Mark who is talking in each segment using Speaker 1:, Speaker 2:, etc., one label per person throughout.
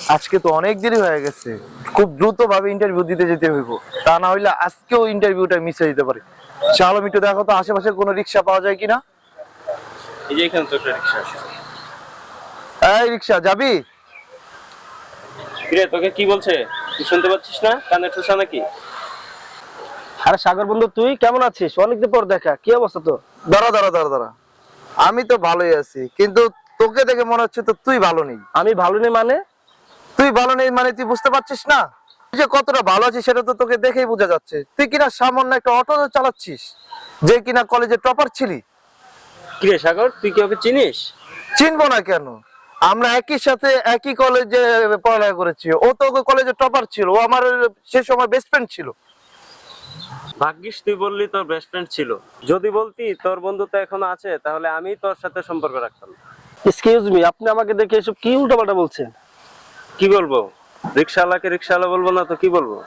Speaker 1: আজকে তো অনেক দেরি হয়ে গেছে, খুব দ্রুত ভাবে ইন্টারভিউ দিতে যেতে হইব, তা না হইলে আজকেও ইন্টারভিউটা মিস হয়ে যেতে পারে। চলো একটু দেখো তো আশেপাশে কোনো রিক্সা পাওয়া যায় কিনা।
Speaker 2: এই যে এখানে তো একটা রিক্সা আছে।
Speaker 1: এই রিক্সা যাবি?
Speaker 2: কিরে তোকে কি বলছে, তুই শুনতে পাচ্ছিস না? কানে ঠোসা নাকি?
Speaker 3: আরে সাগর বন্ধু, তুই কেমন আছিস? অনেকদিন পর দেখা, কি অবস্থা তোর?
Speaker 1: দাঁড়া দাঁড়া দাঁড়া দাঁড়া, আমি তো ভালোই আছি, কিন্তু তোকে দেখে মনে হচ্ছে তো তুই ভালো নেই।
Speaker 3: আমি ভালো নেই মানে?
Speaker 1: তুই ভালো নেই মানে তুই বুঝতে পারছিস না তুই যে কতটা ভালো আছিস? সেটা তো তোকে দেখেই বোঝা যাচ্ছে। তুই কিনা সামান্য একটা অটো চালাচ্ছিস, যে কিনা কলেজে টপার ছিলি।
Speaker 2: কিরে সাগর, তুই কি ওকে চিনিস?
Speaker 1: চিনবো না কেন? আমরা একই সাথে একই কলেজে পড়ালেখা করেছি। ও তো কলেজে টপার ছিল, ও আমার সে সময় বেস্ট ফ্রেন্ড ছিল।
Speaker 2: ভাগ্যিস তুই বললি তোর বেস্ট ফ্রেন্ড ছিল। যদি বলতি তোর বন্ধুত্ব এখনো আছে, তাহলে আমি তোর সাথে সম্পর্ক রাখতাম।
Speaker 3: এক্সকিউজ মি, আপনি আমাকে দেখে এসব কি উল্টাপাল্টা বলছেন?
Speaker 2: কি বলবো? রিক্সাওয়ালাকে রিক্সাওয়ালা বলবো না তো কি বলবো?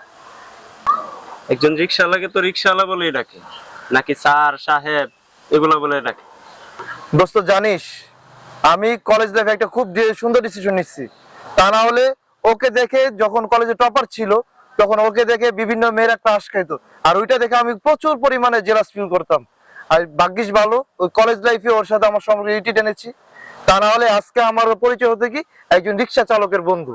Speaker 2: একজন রিক্সাওয়ালাকে তো রিক্সাওয়ালা বলেই ডাকে, নাকি স্যার সাহেব এগুলো বলে ডাকে?
Speaker 1: দোস্ত জানিস, আমি কলেজ লাইফে একটা খুব সুন্দর ডিসিশন নিচ্ছি। তা না হলে ওকে দেখে, যখন কলেজে টপার ছিল তখন ওকে দেখে বিভিন্ন মেয়েরা ক্রাশ খাইতো, আর ওইটা দেখে আমি প্রচুর পরিমাণে জেলাস ফিল করতাম। আর ভাগ্যিস ভালো ওই কলেজ লাইফে ওর সাথে আমার সম্পর্কে ইটি টেনেছি। তা না হলে আজকে আমার পরিচয় হতে কি একজন রিক্সা চালকের বন্ধু।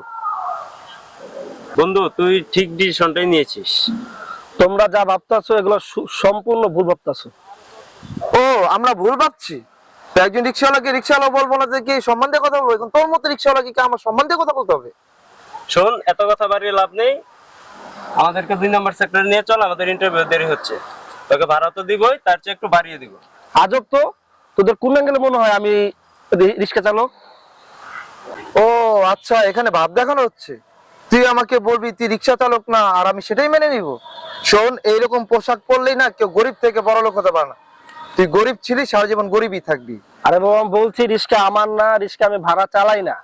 Speaker 2: বন্ধু, তুই ঠিক ডিসিশনটাই নিয়েছিস।
Speaker 3: তোমরা যা ভাবতেছো এগুলো সম্পূর্ণ ভুল ভাবতেছো।
Speaker 1: ও, আমরা ভুল ভাবছি? তো একজন রিক্সাওয়ালাকে রিক্সাওয়ালা বলবো না, যে কি সম্মান দিয়ে কথা বলবো? এখন তোর মতো রিক্সাওয়ালাকে কি আমার সম্মান দিয়ে কথা বলতে হবে?
Speaker 2: শোন, এত কথা বাড়িয়ে লাভ নেই। আমাদেরকে 2 নম্বর সেক্টরে নিয়ে চল, আমাদের ইন্টারভিউ দেরি হচ্ছে। তোকে ভাড়া তো দিবই, তার চেয়ে একটু বাড়িয়ে দিব।
Speaker 3: আজব তো, তোদের কোন অ্যাঙ্গেলে মনে হয় আমি রিক্সা চালক?
Speaker 1: ও আচ্ছা, এখানে ভাব দেখানো হচ্ছে। তুই আমাকে বলবি তুই রিক্সা চালক না, আর আমি সেটাই মেনে নিব? শোন, এইরকম পোশাক পরলেই না কেউ গরিব থেকে বড় লোক হতে পারে না। তুই গরিব ছিলি, সারা জীবন গরিবই থাকবি।
Speaker 3: আরে বাবা, আমি বলছি রিক্সা আমার না, রিক্সা আমি ভাড়া চালাই না।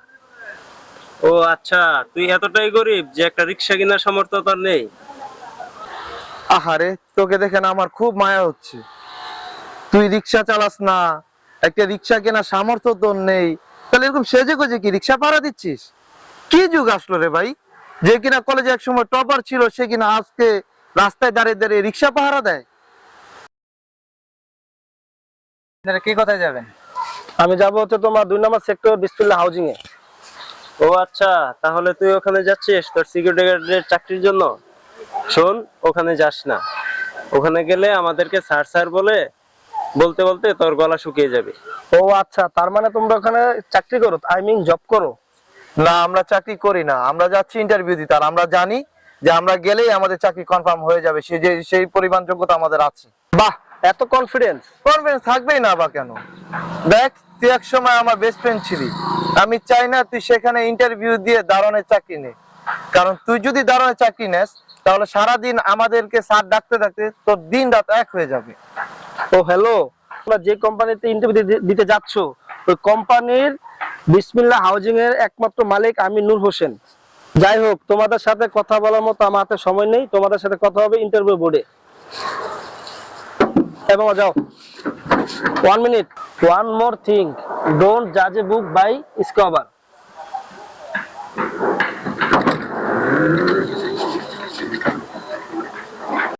Speaker 2: ও আচ্ছা, তুই এতটাই গরিব যে একটা রিক্সা কেনার সামর্থ্য তোর নেই?
Speaker 1: আহারে, তোকে দেখে না আমার খুব মায়া হচ্ছে। তুই রিক্সা চালাস না, একটা রিক্সা কেনার সামর্থ্য তোর নেই, তাহলে এরকম সেজে গুজে কি রিক্সা ভাড়া দিচ্ছিস? কি যুগ আসলো রে ভাই, যে কিনা কলেজে এক সময় টপার ছিল সে কিনা আজকে রাস্তায় দাঁড়িয়ে দাঁড়িয়ে রিক্সা পাহারা দেয়। আপনারা কি কোথায় যাবেন?
Speaker 3: আমি যাবো হচ্ছে তোমার 2 নম্বর সেক্টর বিসমিল্লাহ হাউজিং এ।
Speaker 2: ও আচ্ছা, তাহলে তুই ওখানে যাচ্ছিস তোর সিকিউরিটি গার্ডের চাকরির জন্য? শোন, ওখানে যাস না। ওখানে গেলে আমাদেরকে স্যার স্যার বলতে বলতে তোর গলা শুকিয়ে যাবে।
Speaker 3: ও আচ্ছা, তার মানে তোমরা ওখানে চাকরি করো, আই মিন জব করো?
Speaker 1: না, আমরা চাকরি করি না, আমরা যাচ্ছি ইন্টারভিউ দিতে। আর আমরা জানি যে আমরা গেলেই আমাদের চাকরি কনফার্ম হয়ে যাবে, সেই পরিমাণ যোগ্যতা আমাদের আছে।
Speaker 3: বাহ, এত কনফিডেন্স!
Speaker 1: কনফিডেন্স থাকবেই না বা কেন? দেখ, তুই এক সময় আমার বেস্ট ফ্রেন্ড ছিলি। আমি চাই না তুই সেখানে ইন্টারভিউ দিয়ে দারোয়ানের চাকরি নে, কারণ তুই যদি দারোয়ানের চাকরি নেস তাহলে সারাদিন আমাদেরকে স্যার ডাকতে ডাকতে তোর দিন রাত এক হয়ে যাবে।
Speaker 3: ও হ্যালো, তোমরা যে কোম্পানিতে ইন্টারভিউ দিতে যাচ্ছ ওই কোম্পানির বিসমিল্লাহ হাউজিং এর একমাত্র মালিক আমি নূর হোসেন। যাই হোক, তোমাদের সাথে কথা বলার মতো আমার হাতে সময় নেই, তোমাদের সাথে কথা হবে ইন্টারভিউ বোর্ডে। এবং যাও। 1 minute, one more thing, don't জাজ a book by its cover.